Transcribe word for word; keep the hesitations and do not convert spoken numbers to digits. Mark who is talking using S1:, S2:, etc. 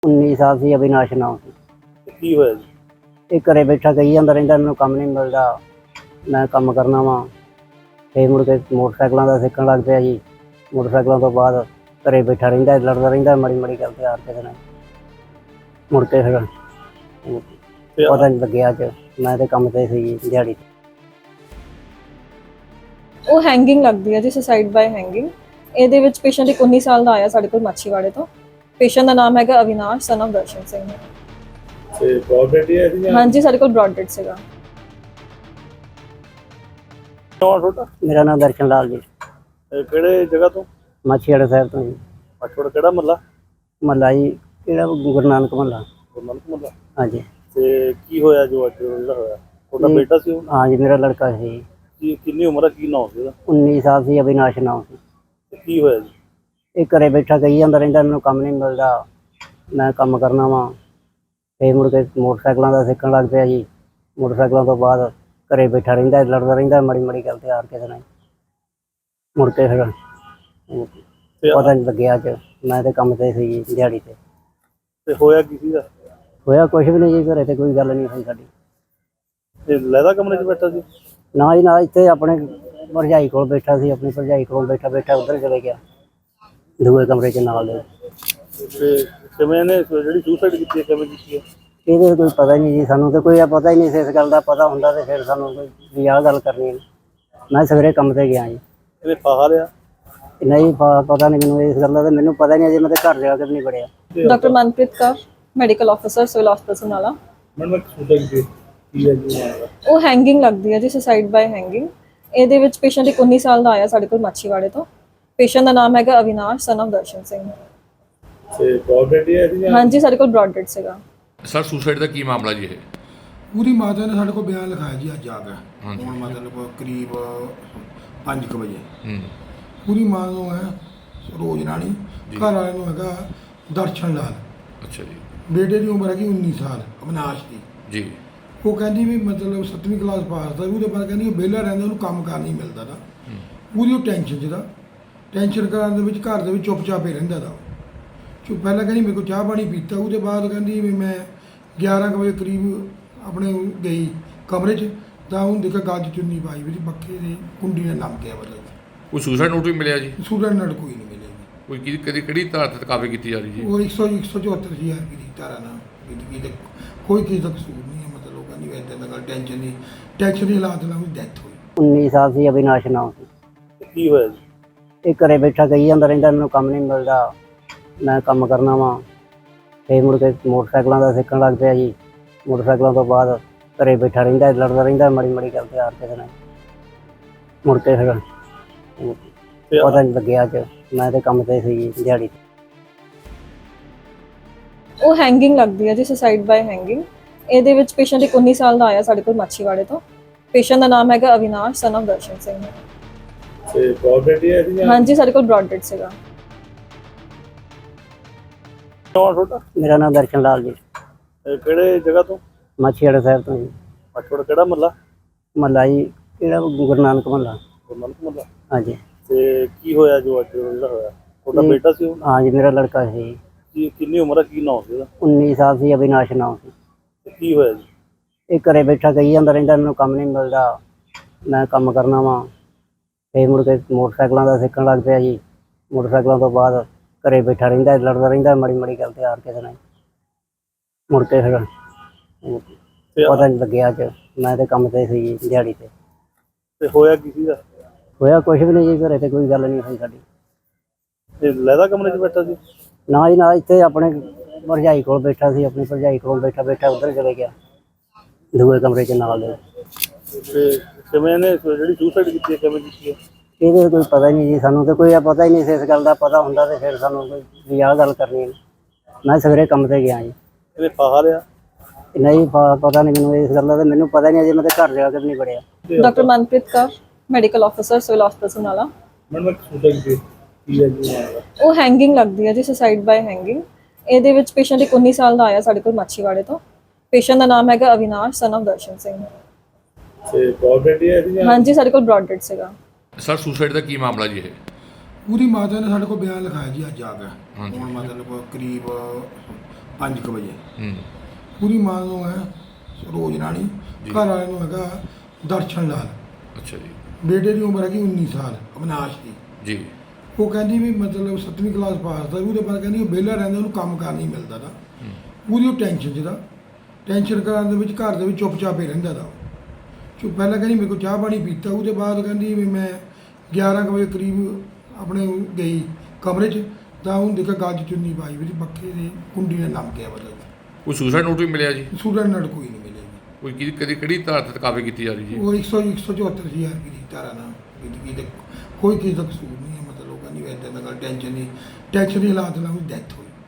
S1: उन्नीस साल से अविनाश नाम से
S2: ਕੀ ਹੋਇਆ ਜੀ?
S1: ਇਹ ਘਰੇ ਬੈਠਾ ਕਹੀ ਜਾਂਦਾ ਰਹਿੰਦਾ ਮੈਨੂੰ ਕੰਮ ਨਹੀਂ ਮਿਲਦਾ, ਮੈਂ ਕੰਮ ਕਰਨਾ ਵਾ। ਫਿਰ ਮੁੜ ਕੇ ਮੋਟਰਸਾਈਕਲਾਂ ਦਾ ਸਿੱਖਣ ਲੱਗ ਪਿਆ ਜੀ। ਮੋਟਰਸਾਈਕਲਾਂ ਤੋਂ ਬਾਅਦ ਘਰੇ ਬੈਠਾ ਰਹਿੰਦਾ, ਲੜਦਾ ਰਹਿੰਦਾ ਮਾੜੀ ਮਾੜੀ ਗੱਲ ਤੇ ਹਾਰ ਕੇ ਨਾਲ। ਮੁੜ ਕੇ ਫਿਰ
S2: ਤੇ
S1: ਪਤਾ ਨਹੀਂ ਲੱਗਿਆ ਅੱਜ ਮੈਂ ਤੇ ਕੰਮ ਤੇ ਸੀ ਦਿਹਾੜੀ ਤੇ।
S3: ਉਹ ਹੈਂਗਿੰਗ ਲੱਗਦੀ ਹੈ ਜੀ, ਸੁਸਾਈਡ ਬਾਏ ਹੈਂਗਿੰਗ। ਇਹਦੇ ਵਿੱਚ ਪੇਸ਼ੈਂਟ ਇੱਕ ਉੱਨੀ ਸਾਲ ਦਾ ਆਇਆ ਸਾਡੇ ਕੋਲ ਮਾਛੀਵਾੜੇ ਤੋਂ। ਪੇਸ਼ੈਂਟ ਦਾ ਨਾਮ ਹੈਗਾ ਅਵਿਨਾਸ਼ ਸਨ ਆਫ ਦਰਸ਼ਨ ਸਿੰਘ।
S2: ਤੇ ਪ੍ਰੋਬਲਮ ਹੈ ਜੀ?
S3: ਹਾਂਜੀ, ਸਾਡੇ ਕੋਲ ਬ੍ਰੌਡ ਡੈਡ ਸੀਗਾ।
S2: ਕੌਣ ਛੋਟਾ?
S1: ਮੇਰਾ ਨਾਮ ਦਰਸ਼ਨ ਲਾਲ ਜੀ,
S2: ਇਹ ਕਿਹੜੇ ਜਗ੍ਹਾ ਤੋਂ?
S1: ਮਾਛੀਵਾੜਾ ਸਾਹਿਬ ਤੋਂ ਜੀ।
S2: ਪਛੋੜ ਕਿਹੜਾ ਮੱਲਾ?
S1: ਮਹੱਲਾ ਜੀ ਕਿਹੜਾ ਗੁਰੂ ਨਾਨਕ ਮਹੱਲਾ।
S2: ਗੁਰਨਾਨਕ ਮੱਲਾ।
S1: ਹਾਂਜੀ
S2: ਤੇ ਕੀ ਹੋਇਆ ਜੋ ਅੱਜ ਜਿਹੜਾ ਹੋਇਆ? ਤੁਹਾਡਾ
S1: ਜੀ।
S2: ਬੇਟਾ ਸੀ ਉਹ?
S1: हाँ जी, मेरा लड़का है।
S2: ਕੀ ਕਿੰਨੀ ਉਮਰ ਹੈ, ਕੀ ਨਾਮ ਸੀ ਉਹਦਾ?
S1: उन्नीस साल से अविनाश नाम से
S2: ਤੇ ਕੀ ਹੋਇਆ ਜੀ?
S1: ਇਹ ਘਰੇ ਬੈਠਾ ਕਹੀ ਜਾਂਦਾ ਰਹਿੰਦਾ ਮੈਨੂੰ ਕੰਮ ਨਹੀਂ ਮਿਲਦਾ, ਮੈਂ ਕੰਮ ਕਰਨਾ ਵਾ। ਫਿਰ ਮੁੜ ਕੇ ਮੋਟਰਸਾਈਕਲਾਂ ਦਾ ਸਿੱਖਣ ਲੱਗ ਪਿਆ ਜੀ। ਮੋਟਰਸਾਈਕਲਾਂ ਤੋਂ ਬਾਅਦ ਘਰੇ ਬੈਠਾ ਰਹਿੰਦਾ, ਲੜਦਾ ਰਹਿੰਦਾ ਮਾੜੀ ਮਾੜੀ ਗੱਲ ਤੇ ਹਾਰ ਕੇ ਨਾਲ। ਮੁੜ ਕੇ ਫਿਰ
S2: ਤੇ
S1: ਪਤਾ ਨਹੀਂ ਲੱਗਿਆ ਅੱਜ ਮੈਂ ਤੇ ਕੰਮ ਤੇ ਸੀ ਦਿਹਾੜੀ ਤੇ।
S2: ਤੇ ਹੋਇਆ ਕੀ ਸੀਗਾ?
S1: ਹੋਇਆ ਕੁਛ ਵੀ ਨਹੀਂ ਜੀ, ਘਰੇ ਤੇ ਕੋਈ ਗੱਲ ਨਹੀਂ ਹੋਈ ਸਾਡੀ।
S2: ਇਹ ਲੈਦਾ ਕਮਰੇ 'ਚ ਬੈਠਾ ਸੀ?
S1: ਨਾ ਜੀ ਨਾ, ਇੱਥੇ ਆਪਣੇ ਭਰਜਾਈ ਕੋਲ ਬੈਠਾ ਸੀ। ਆਪਣੀ ਭਰਜਾਈ ਕੋਲ ਬੈਠਾ ਬੈਠਾ ਉੱਧਰ ਚਲੇ ਗਿਆ ਦੂਏ ਕਮਰੇ 'ਚ ਨਾਲ ਦੇ।
S2: ਤੇ ਕਿਵੇਂ ਇਹਨੇ ਜਿਹੜੀ ਸੁਸਾਈਡ ਕੀਤੀ ਹੈ ਕਿਵੇਂ ਕੀਤੀ ਹੈ?
S1: ਇਹਦੇ ਕੋਈ ਪਤਾ ਨਹੀਂ ਜੀ, ਸਾਨੂੰ ਤੇ ਕੋਈ ਆ ਪਤਾ ਹੀ ਨਹੀਂ ਸੀ ਇਸ ਗੱਲ ਦਾ। ਪਤਾ ਹੁੰਦਾ ਤੇ ਫਿਰ ਸਾਨੂੰ ਕੋਈ ਵੀ ਆਹ ਗੱਲ ਕਰਨੀ ਹੈ। ਮੈਂ ਸਵੇਰੇ ਕੰਮ ਤੇ ਗਿਆ ਜੀ।
S2: ਇਹਨੇ ਫਾਹਾ ਲਿਆ?
S1: ਨਹੀਂ ਪ- ਪਤਾ ਨਹੀਂ ਮੈਨੂੰ ਇਸ ਗੱਲ ਦਾ, ਤੇ ਮੈਨੂੰ ਪਤਾ ਹੀ ਨਹੀਂ ਅਜੇ ਮੈਂ ਤੇ ਘਰ ਜਾ ਕੇ ਵੀ ਨਹੀਂ ਵੜਿਆ।
S3: Doctor Manpreet Kaur, medical officer, civil ਹਸਪਤਾਲ ਸਮਰਾਲਾ।
S2: ਮੈਨੂੰ ਸੁਸਾਈਡ ਕੀ ਹੈ ਜੀ?
S3: ਉਹ ਹੈਂਗਿੰਗ ਲੱਗਦੀ ਹੈ ਜੀ, ਸੁਸਾਈਡ ਬਾਏ ਹੈਂਗਿੰਗ। ਇਹਦੇ ਵਿੱਚ ਪੇਸ਼ੈਂਟ ਇੱਕ ਉੱਨੀ ਸਾਲ ਦਾ ਆਇਆ ਸਾਡੇ ਕੋਲ ਮਾਛੀਵਾੜੇ ਤੋਂ। ਪੇਸ਼ੈਂਟ ਦਾ ਨਾਮ ਹੈਗਾ ਅਵਿਨਾਸ਼ ਸਨ ਆਫ ਦਰਸ਼ਨ ਸਿੰਘ।
S2: ਤੇ ਪ੍ਰੋਬਲਮ ਹੈ ਜੀ?
S3: ਹਾਂਜੀ, ਸਾਡੇ ਕੋਲ ਬ੍ਰੌਡ ਡੈਡ ਸੀਗਾ।
S4: ਸਰ ਸੁਸਾਈਡ ਦਾ ਕੀ ਮਾਮਲਾ ਜੀ ਇਹ?
S5: ਪੂਰੀ ਮਾਤਾ ਨੇ ਸਾਡੇ ਕੋਲ ਬਿਆਨ ਲਿਖਾਇਆ ਜੀ ਅੱਜ ਆ ਕੇ।
S4: ਹਾਂਜੀ।
S5: ਹੁਣ ਮਤਲਬ ਕਰੀਬ ਪੰਜ ਕੁ ਵਜੇ
S4: ਹੂੰ
S5: ਪੂਰੀ ਮਾਂ ਨੂੰ ਹੈ ਰੋਜ਼ ਰਾਣੀ,
S4: ਜੀ।
S5: ਘਰ ਵਾਲੇ ਨੂੰ ਹੈਗਾ ਦਰਸ਼ਨ ਲਾਲ।
S4: ਅੱਛਾ ਜੀ
S5: ਬੇਟੇ ਦੀ ਉਮਰ ਹੈਗੀ ਉੱਨੀ ਸਾਲ ਅਵਿਨਾਸ਼ ਦੀ।
S4: ਜੀ
S5: ਉਹ ਕਹਿੰਦੀ ਵੀ ਮਤਲਬ ਸੱਤਵੀਂ ਕਲਾਸ ਪਾਸ ਦਾ, ਉਹਦੇ ਬਾਅਦ ਕਹਿੰਦੀ ਵਿਹਲਾ ਰਹਿੰਦਾ, ਉਹਨੂੰ ਕੰਮ ਕਾਰ ਨਹੀਂ ਮਿਲਦਾ ਦਾ।
S4: ਹੂੰ
S5: ਪੂਰੀ ਉਹ ਟੈਨਸ਼ਨ 'ਚ ਦਾ ਟੈਨਸ਼ਨ ਕਰਨ ਦੇ ਵਿੱਚ ਘਰ ਦੇ ਵਿੱਚ ਚੁੱਪਚਾਪ ਹੀ ਰਹਿੰਦਾ ਦਾ। ਚੁੱਪ ਪਹਿਲਾਂ ਕਹਿੰਦੀ ਮੇਰੇ ਕੋਲ ਚਾਹ ਪਾਣੀ ਪੀਤਾ, ਉਹਦੇ ਬਾਅਦ ਕਹਿੰਦੀ ਵੀ ਮੈਂ ਗਿਆਰਾਂ ਕੁ ਵਜੇ ਕਰੀਬ ਆਪਣੇ ਗਈ ਕਮਰੇ 'ਚ, ਤਾਂ ਉਹਨੂੰ ਦੇਖਿਆ ਗੱਜ ਚੁੰਨੀ ਪਾਈ ਵੀ ਪੱਖੇ ਦੀ ਕੁੰਡੀ ਨਾਲ ਲੱਗ ਗਿਆ। ਮਤਲਬ
S4: ਕੋਈ ਸੁਸਾਈਡ ਨੋਟ ਵੀ ਮਿਲਿਆ ਜੀ?
S5: ਸਟੂਡੈਂਟ ਨਾਲ ਕੋਈ ਨਹੀਂ ਮਿਲਿਆ ਜੀ।
S4: ਕੋਈ ਕਿਹਦੀ ਕਦੀ ਕਿਹੜੀ ਧਾਰ ਤੇ ਕਾਰਵਾਈ ਕੀਤੀ ਜਾ ਰਹੀ ਜੀ?
S5: ਉਹ ਇੱਕ ਸੌ ਇੱਕ ਸੌ ਚੁਹੱਤਰ ਹਜ਼ਾਰ ਰੁਪਏ ਦੀ ਧਾਰਾ ਨਾਲ ਕੀਤੀ ਗਈ ਤੇ ਕੋਈ ਕਿਸੇ ਦਾ ਕਸੂਰ ਨਹੀਂ ਹੈ। ਮਤਲਬ ਉਹ ਕਹਿੰਦੀ ਇੱਦਾਂ ਦਾ ਗੱਲ ਟੈਨਸ਼ਨ ਨਹੀਂ, ਟੈਨਸ਼ਨ ਦੀ ਹਾਲਾਤ ਨਾਲ ਉਹਦੀ ਡੈਥ ਹੋਈ।
S1: उन्नीस साल से अविनाश नाम से
S2: ਤੇ ਕੀ ਹੋਇਆ ਜੀ?
S1: ਇਹ ਘਰੇ ਬੈਠਾ ਕਹੀ ਜਾਂਦਾ ਰਹਿੰਦਾ ਮੈਨੂੰ ਕੰਮ ਨਹੀਂ ਮਿਲਦਾ, ਮੈਂ ਕੰਮ ਕਰਨਾ ਵਾ। ਫਿਰ ਮੁੜ ਕੇ ਮੋਟਰਸਾਈਕਲਾਂ ਦਾ ਸਿੱਖਣ ਲੱਗ ਪਿਆ ਜੀ। ਮੋਟਰਸਾਈਕਲਾਂ ਤੋਂ ਬਾਅਦ ਘਰੇ ਬੈਠਾ ਰਹਿੰਦਾ, ਲੜਦਾ ਰਹਿੰਦਾ ਮਾੜੀ ਮਾੜੀ ਗੱਲ ਤੇ ਹਾਰ ਕੇ ਨਾਲ। ਮੁੜ ਕੇ ਫਿਰ
S2: ਤੇ
S1: ਪਤਾ ਨਹੀਂ ਲੱਗਿਆ ਅੱਜ ਮੈਂ ਤੇ ਕੰਮ ਤੇ ਸੀ ਦਿਹਾੜੀ ਤੇ।
S3: ਉਹ ਹੈਂਗਿੰਗ ਲੱਗਦੀ ਹੈ ਜੀ, ਸੁਸਾਈਡ ਬਾਏ ਹੈਂਗਿੰਗ। ਇਹਦੇ ਵਿੱਚ ਪੇਸ਼ੈਂਟ ਇੱਕ ਉੱਨੀ ਸਾਲ ਦਾ ਆਇਆ ਸਾਡੇ ਕੋਲ ਮਾਛੀਵਾੜੇ ਤੋਂ। ਪੇਸ਼ੈਂਟ ਦਾ ਨਾਮ ਹੈਗਾ ਅਵਿਨਾਸ਼ ਸਨ ਆਫ ਦਰਸ਼ਨ ਸਿੰਘ।
S2: ਤੇ ਪ੍ਰੋਬਲਮ ਹੈ ਜੀ?
S3: ਹਾਂਜੀ, ਸਾਡੇ ਕੋਲ ਬ੍ਰੌਡ ਡੈਡ ਸੀਗਾ।
S2: ਕੌਣ ਛੋਟਾ?
S1: ਮੇਰਾ ਨਾਮ ਦਰਸ਼ਨ ਲਾਲ ਜੀ,
S2: ਇਹ ਕਿਹੜੇ ਜਗ੍ਹਾ ਤੋਂ?
S1: ਮਾਛੀਵਾੜਾ ਸਾਹਿਬ ਤੋਂ ਜੀ।
S2: ਪਛੋੜ ਕਿਹੜਾ ਮੱਲਾ?
S1: ਮਹੱਲਾ ਜੀ ਕਿਹੜਾ ਗੁਰੂ ਨਾਨਕ ਮਹੱਲਾ।
S2: ਗੁਰਨਾਨਕ ਮੱਲਾ।
S1: ਹਾਂਜੀ
S2: ਤੇ ਕੀ ਹੋਇਆ ਜੋ ਅੱਜ ਜਿਹੜਾ ਹੋਇਆ? ਤੁਹਾਡਾ
S1: ਜੀ।
S2: ਬੇਟਾ ਸੀ ਉਹ?
S1: हाँ जी, मेरा लड़का है।
S2: ਕੀ ਕਿੰਨੀ ਉਮਰ ਹੈ, ਕੀ ਨਾਮ ਸੀ ਉਹਦਾ?
S1: उन्नीस साल से अविनाश नाम से
S2: ਤੇ ਕੀ ਹੋਇਆ ਜੀ?
S1: ਇਹ ਘਰੇ ਬੈਠਾ ਕਹੀ ਜਾਂਦਾ ਰਹਿੰਦਾ ਮੈਨੂੰ ਕੰਮ ਨਹੀਂ ਮਿਲਦਾ, ਮੈਂ ਕੰਮ ਕਰਨਾ ਵਾ। ਫਿਰ ਮੁੜ ਕੇ ਮੋਟਰਸਾਈਕਲਾਂ ਦਾ ਸਿੱਖਣ ਲੱਗ ਪਿਆ ਜੀ। ਮੋਟਰਸਾਈਕਲਾਂ ਤੋਂ ਬਾਅਦ ਘਰੇ ਬੈਠਾ ਰਹਿੰਦਾ, ਲੜਦਾ ਰਹਿੰਦਾ ਮਾੜੀ ਮਾੜੀ ਗੱਲ ਤੇ ਹਾਰ ਕੇ ਨਾਲ। ਮੁੜ ਕੇ ਫਿਰ
S2: ਤੇ
S1: ਪਤਾ ਨਹੀਂ ਲੱਗਿਆ ਅੱਜ ਮੈਂ ਤੇ ਕੰਮ ਤੇ ਸੀ ਦਿਹਾੜੀ ਤੇ।
S2: ਤੇ ਹੋਇਆ ਕੀ ਸੀਗਾ?
S1: ਹੋਇਆ ਕੁਛ ਵੀ ਨਹੀਂ ਜੀ, ਘਰੇ ਤੇ ਕੋਈ ਗੱਲ ਨਹੀਂ ਹੋਈ ਸਾਡੀ।
S2: ਇਹ ਲੈਦਾ ਕਮਰੇ 'ਚ ਬੈਠਾ ਸੀ?
S1: ਨਾ ਜੀ ਨਾ, ਇੱਥੇ ਆਪਣੇ ਭਰਜਾਈ ਕੋਲ ਬੈਠਾ ਸੀ। ਆਪਣੀ ਭਰਜਾਈ ਕੋਲ ਬੈਠਾ ਬੈਠਾ ਉੱਧਰ ਚਲੇ ਗਿਆ ਦੂਏ ਕਮਰੇ 'ਚ ਨਾਲ ਦੇ।
S2: ਤੇ ਕਿਵੇਂ ਇਹਨੇ ਜਿਹੜੀ ਸੁਸਾਈਡ ਕੀਤੀ ਹੈ ਕਿਵੇਂ ਕੀਤੀ ਹੈ?
S1: ਇਹਦੇ ਕੋਈ ਪਤਾ ਹੀ ਨਹੀਂ ਜੀ, ਸਾਨੂੰ ਤੇ ਕੋਈ ਆ ਪਤਾ ਹੀ ਨਹੀਂ ਸੀ ਇਸ ਗੱਲ ਦਾ। ਪਤਾ ਹੁੰਦਾ ਤੇ ਫਿਰ ਸਾਨੂੰ ਕੋਈ ਵੀ ਆਹ ਗੱਲ ਕਰਨੀ ਹੈ। ਮੈਂ ਸਵੇਰੇ ਕੰਮ ਤੇ ਗਿਆ ਜੀ।
S2: ਇਹਨੇ ਫਾਹਾ ਲਿਆ?
S1: ਨਹੀਂ ਪ- ਪਤਾ ਨਹੀਂ ਮੈਨੂੰ ਇਸ ਗੱਲ ਦਾ, ਤੇ ਮੈਨੂੰ ਪਤਾ ਹੀ ਨਹੀਂ ਅਜੇ ਮੈਂ ਤੇ ਘਰ ਜਾ ਕੇ ਵੀ ਨਹੀਂ ਵੜਿਆ।
S3: Doctor Manpreet Kaur, medical officer, civil ਹਸਪਤਾਲ ਸਮਰਾਲਾ।
S2: ਮੈਨੂੰ ਸੁਸਾਈਡ ਕੀ ਹੈ ਜੀ?
S3: ਉਹ ਹੈਂਗਿੰਗ ਲੱਗਦੀ ਹੈ ਜੀ, ਸੁਸਾਈਡ ਬਾਏ ਹੈਂਗਿੰਗ। ਇਹਦੇ ਵਿੱਚ ਪੇਸ਼ੈਂਟ ਇੱਕ ਉੱਨੀ ਸਾਲ ਦਾ ਆਇਆ ਸਾਡੇ ਕੋਲ ਮਾਛੀਵਾੜੇ ਤੋਂ। ਪੇਸ਼ੈਂਟ ਦਾ ਨਾਮ ਹੈਗਾ ਅਵਿਨਾਸ਼ ਸਨ ਆਫ ਦਰਸ਼ਨ ਸਿੰਘ।
S2: ਤੇ ਪ੍ਰੋਬਲਮ ਹੈ ਜੀ?
S3: ਹਾਂਜੀ, ਸਾਡੇ ਕੋਲ ਬ੍ਰੌਡ ਡੈਡ ਸੀਗਾ।
S4: ਸਰ ਸੁਸਾਈਡ ਦਾ ਕੀ ਮਾਮਲਾ ਜੀ ਇਹ?
S5: ਪੂਰੀ ਮਾਤਾ ਨੇ ਸਾਡੇ ਕੋਲ ਬਿਆਨ ਲਿਖਾਇਆ ਜੀ ਅੱਜ ਆ ਕੇ।
S4: ਹਾਂਜੀ।
S5: ਹੁਣ ਮਤਲਬ ਕਰੀਬ ਪੰਜ ਕੁ ਵਜੇ।
S4: ਹੂੰ
S5: ਪੂਰੀ ਮਾਂ ਨੂੰ ਹੈ ਰੋਜ਼ ਰਾਣੀ,
S4: ਜੀ।
S5: ਘਰ ਵਾਲੇ ਨੂੰ ਹੈਗਾ ਦਰਸ਼ਨ ਲਾਲ,
S4: ਅੱਛਾ ਜੀ
S5: ਬੇਟੇ ਦੀ ਉਮਰ ਹੈਗੀ ਉੱਨੀ ਸਾਲ ਅਵਿਨਾਸ਼ ਦੀ।
S4: ਜੀ
S5: ਉਹ ਕਹਿੰਦੀ ਵੀ ਮਤਲਬ ਸੱਤਵੀਂ ਕਲਾਸ ਪਾਸ ਦਾ, ਉਹਦੇ ਬਾਅਦ ਕਹਿੰਦੀ ਉਹ ਵਿਹਲਾ ਰਹਿੰਦਾ, ਉਹਨੂੰ ਕੰਮ ਕਾਰ ਨਹੀਂ ਮਿਲਦਾ ਦਾ।
S4: ਹੂੰ
S5: ਪੂਰੀ ਉਹ ਟੈਨਸ਼ਨ 'ਚ ਦਾ ਟੈਨਸ਼ਨ ਕਰਨ ਦੇ ਵਿੱਚ ਘਰ ਦੇ ਵਿੱਚ ਚੁੱਪਚਾਪ ਹੀ ਰਹਿੰਦਾ ਦਾ। ਚੁੱਪ ਪਹਿਲਾਂ ਕਹਿੰਦੀ ਮੇਰੇ ਕੋਲ ਚਾਹ ਪਾਣੀ ਪੀਤਾ, ਉਹਦੇ ਬਾਅਦ ਕਹਿੰਦੀ ਵੀ ਮੈਂ ਗਿਆਰਾਂ ਕੁ ਵਜੇ ਕਰੀਬ ਆਪਣੇ ਗਈ ਕਮਰੇ 'ਚ, ਤਾਂ ਉਹਨੂੰ ਦੇਖਿਆ ਗਲ 'ਚ ਚੁੰਨੀ ਪਾਈ ਵੀ ਪੱਖੇ ਦੀ ਕੁੰਡੀ ਨੇ ਨਮ ਗਿਆ। ਮਤਲਬ
S4: ਕੋਈ ਸੁਸਾਈਡ ਨੋਟ ਵੀ ਮਿਲਿਆ ਜੀ?
S5: ਸੂਰਜ ਨਾਲ ਕੋਈ ਨਹੀਂ ਮਿਲੇਗੀ।
S4: ਕੋਈ ਕਿਹਦੀ ਕਦੀ ਕਿਹੜੀ ਧਾਰਾ ਤੇ ਕਾਰਵਾਈ ਕੀਤੀ ਜਾ ਰਹੀ ਜੀ?
S5: ਉਹ ਇੱਕ ਸੌ ਇੱਕ ਸੌ ਚੁਹੱਤਰ ਹਜ਼ਾਰ ਰੁਪਏ ਦੀ ਧਾਰਾ ਨਾਲ ਜ਼ਿੰਦਗੀ ਦੇ ਕੋਈ ਕਿਸੇ ਦਾ ਕਸੂਰ ਨਹੀਂ ਹੈ। ਮਤਲਬ ਉਹ ਕਹਿੰਦੀ ਵੀ ਇੱਦਾਂ ਦਾ ਗੱਲ ਟੈਨਸ਼ਨ ਨਹੀਂ, ਟੈਨਸ਼ਨ ਦੀ ਹਾਲਾਤ ਨਾਲ ਉਹਦੀ ਡੈਥ ਹੋਈ।